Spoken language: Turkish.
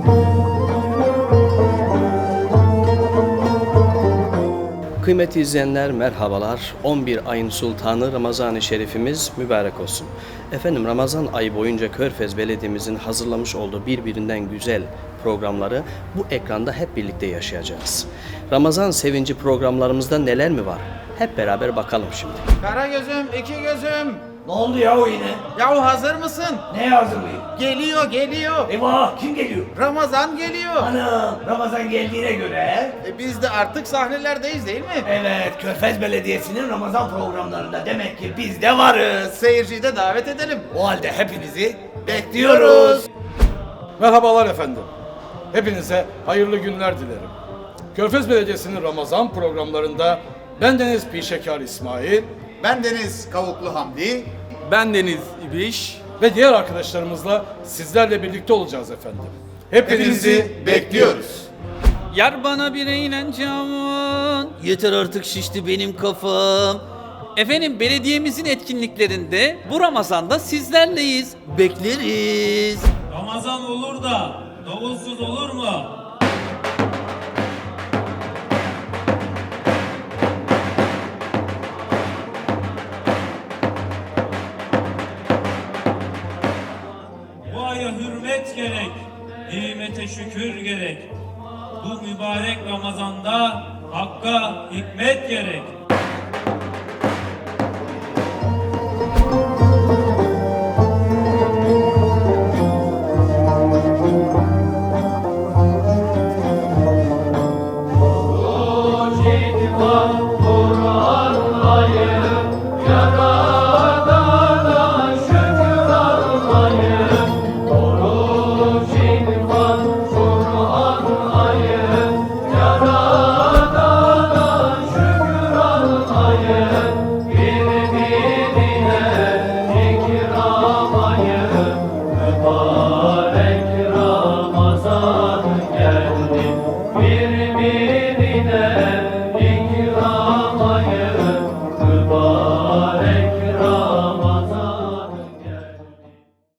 Kıymetli izleyenler merhabalar. 11 ayın sultanı Ramazan-ı Şerifimiz mübarek olsun. Efendim Ramazan ayı boyunca Körfez Belediye'mizin hazırlamış olduğu birbirinden güzel programları bu ekranda hep birlikte yaşayacağız. Ramazan sevinci programlarımızda neler mi var? Hep beraber bakalım şimdi. Kara gözüm, iki gözüm. Ne oldu yahu yine? Yahu hazır mısın? Neye hazırlayayım? Geliyor. Eyvah, kim geliyor? Ramazan geliyor. Anam, Ramazan geldiğine göre. Biz de artık sahnelerdeyiz değil mi? Evet, Körfez Belediyesi'nin Ramazan programlarında demek ki biz de varız. Seyirciyi de davet edelim. O halde hepinizi bekliyoruz. Merhabalar efendim. Hepinize hayırlı günler dilerim. Körfez Belediyesi'nin Ramazan programlarında bendeniz Pişekar İsmail Ben Deniz Kavuklu Hamdi. Ben Deniz İbiş. ve diğer arkadaşlarımızla sizlerle birlikte olacağız efendim. Hepinizi bekliyoruz. Yar bana bir eğlence aman. Yeter artık şişti benim kafam. Efendim belediyemizin etkinliklerinde bu Ramazan'da sizlerleyiz. Bekleriz. Ramazan olur da davutsuz olur mu? Bu aya hürmet gerek, nimete şükür gerek. Bu mübarek Ramazan'da Hakk'a hikmet gerek.